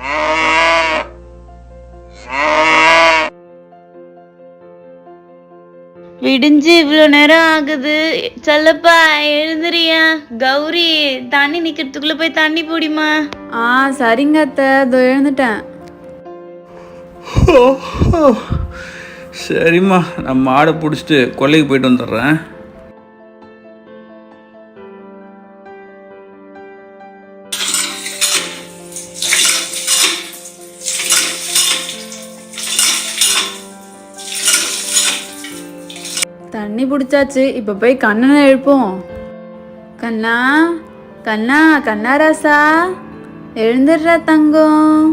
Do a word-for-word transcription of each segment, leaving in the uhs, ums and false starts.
விடிஞ்சு இவ்வளோ நேரம் ஆகுது. சொல்லப்பா எழுந்துறியா? கௌரி தண்ணி நிக்கிறதுக்குள்ள போய் தண்ணி போடிமா. ஆ சரிங்க அத்தை, இதோ எழுந்துட்டேன். சரிம்மா, நான் மாடை பிடிச்சிட்டு கொல்லைக்கு போயிட்டு வந்துடுறேன். தண்ணி பிடிச்சாச்சு, இப்போ போய் கண்ணனை எழுப்போம். கண்ணா கண்ணா கண்ணா ராசா, எழுந்துடுறா தங்கம்.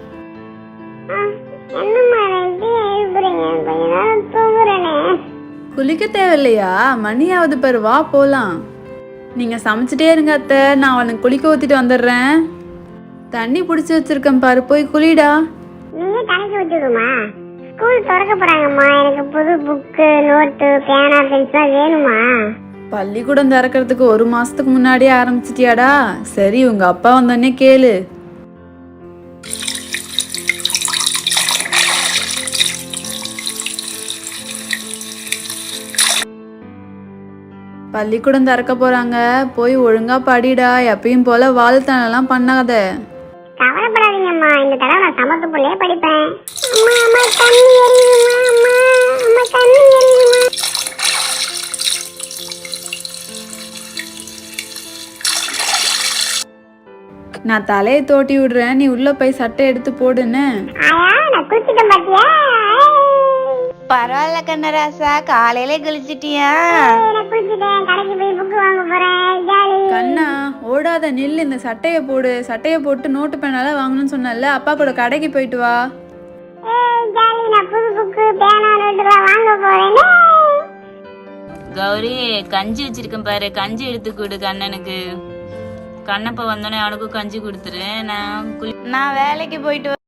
குளிக்க தேவையில்லையா? மணியாவது பாரு, வா போலாம். நீங்க சமைச்சிட்டே இருங்க அத்தை, நான் அவனுக்கு குளிக்க ஊத்திட்டு வந்துடுறேன். தண்ணி பிடிச்சி வச்சிருக்கேன் பாரு, போய் குளிடா. நீங்க கணக்கு வச்சுக்கோமா, ஸ்கூல் திறக்க போறாங்கம்மா. எனக்கு புது புக்கு, நோட்டு, பேனா, பென்சில் வேணுமா? பள்ளிக்கூடம் திறக்கிறதுக்கு ஒரு மாசத்துக்கு முன்னாடியே ஆரம்பிச்சிட்டியாடா? சரி, உங்க அப்பா வந்தோடனே கேளு. பள்ளிக்கூடம் திறக்க போறாங்க, போய் ஒழுங்கா படிடா. எப்பயும் போல வாழ்த்தனெல்லாம் பண்ணாத. கவலைப்படாதீங்கம்மா, இந்த தடவை நான் சமத்து புள்ளையே படிப்பேன். அம்மா அம்மா தண்ணி எரியுமா? அம்மா அம்மா தண்ணி எரியுமா? நான் தலையை தோட்டி விடுறேன், நீ உள்ள போய் சட்டை எடுத்து போடுன்னு. ஆயா, நான் குளிச்சிட்டேன் பாத்தியா? பரவாயில்ல கண்ணராசா, காலையில கழிச்சிட்டியா? நான் குளிச்சிட்டேன், கடைக்கு போய் புக்கு வாங்க போறேன். ஜாலி. கண்ணா ஓடாத, நில்லு. இந்த சட்டையை போடு. சட்டையை போட்டு நோட்டு பேனால வாங்கணும்னு சொன்னல, அப்பா கூட கடைக்கு போயிட்டு வா. ஏய் ஜாலி, நான் புது புக்கு, பேனா, நோட்டுலாம் வாங்க போறேன். கௌரி கஞ்சி வச்சிருக்கேன் பாரு, கஞ்சி எடுத்து கொடு கண்ணனுக்கு. கண்ணப்ப வந்தோடனே அவனுக்கும் கஞ்சி கொடுத்துரு. நான் நான் வேலைக்கு போயிட்டு